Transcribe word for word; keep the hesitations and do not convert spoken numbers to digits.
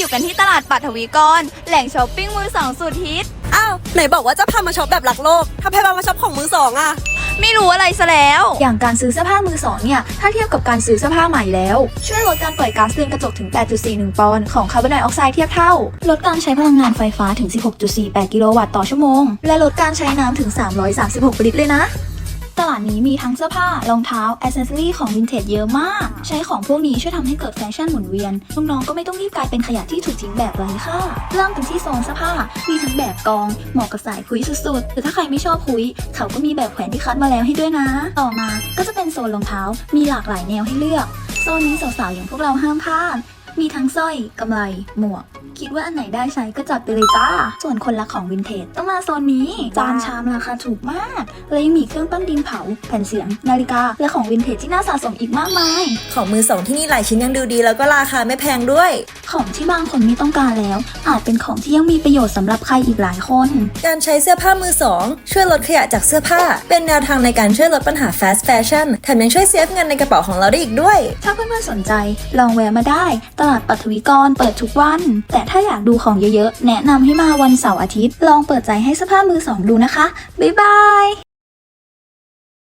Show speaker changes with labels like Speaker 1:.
Speaker 1: อยู่กันที่ตลาดปัทวีกรแหล่งช้อปปิ้งมือสองสุดฮิต
Speaker 2: อ้าวไหนบอกว่าจะพามาช็อปแบบหลักโลกถ้าพามาช็อปของมือสองอะ
Speaker 1: ไม่รู้อะไรซะแล้ว
Speaker 3: อย่างการซื้อเสื้อผ้ามือสองเนี่ยถ้าเทียบกับการซื้อเสื้อผ้าใหม่แล้วช่วยลดการปล่อยก๊าซเรือนกระจกถึง แปดจุดสี่หนึ่ง ปอนด์ของคาร์บอนไดออกไซด์เทียบเท่าลดการใช้พลังงานไฟฟ้าถึง สิบหกจุดสี่แปด กิโลวัตต์ต่อชั่วโมงและลดการใช้น้ำถึง สามร้อยสามสิบหก ลิตรเลยนะตลาดนี้มีทั้งเสื้อผ้ารองเท้าแอ c เซสซอรี่ของวินเทจเยอะมากใช้ของพวกนี้ช่วยทำให้เกิดแฟชั่นหมุนเวียนน้องๆก็ไม่ต้องรีบกลายเป็นขยะที่ถูกทิ้งแบบไร้ค่าเริ่มกันที่โซนเสื้อผ้ามีทั้งแบบกองเหมาะกับสายคุยสุดๆหรือถ้าใครไม่ชอบคุยเขาก็มีแบบแขวนที่คัดมาแล้วให้ด้วยนะต่อมาก็จะเป็นโซนรองเท้ามีหลากหลายแนวให้เลือกโซนนี้สาวๆอย่างพวกเราห้ามพลาดมีทั้งสร้อยกำไลหมวกคิดว่าอันไหนได้ใช้ก็จัดไปเลยจ้าส่วนคนรักของวินเทจต้องมาโซนนี้จานชามราคาถูกมากและยังมีเครื่องปั้นดินเผาแผ่นเสียงนาฬิกาและของวินเทจที่น่าสะสมอีกมากมาย
Speaker 2: ของมือสองที่นี่หลายชิ้นยังดูดีแล้วก็ราคาไม่แพงด้วย
Speaker 3: ของที่บางคนไม่ต้องการแล้วอาจเป็นของที่ยังมีประโยชน์สำหรับใครอีกหลายคน
Speaker 2: การใช้เสื้อผ้ามือสองช่วยลดขยะจากเสื้อผ้าเป็นแนวทางในการช่วยลดปัญหา fast fashion แถมยังช่วยเซฟเงินในกระเป๋าของเราได้อีกด้วย
Speaker 3: ถ้าเพื่อนๆสนใจลองแวะมาได้ตลาดปัทวีกรเปิดทุกวันแต่ถ้าอยากดูของเยอะๆแนะนำให้มาวันเสาร์อาทิตย์ลองเปิดใจให้เสื้อผ้ามือสองดูนะคะบ๊ายบาย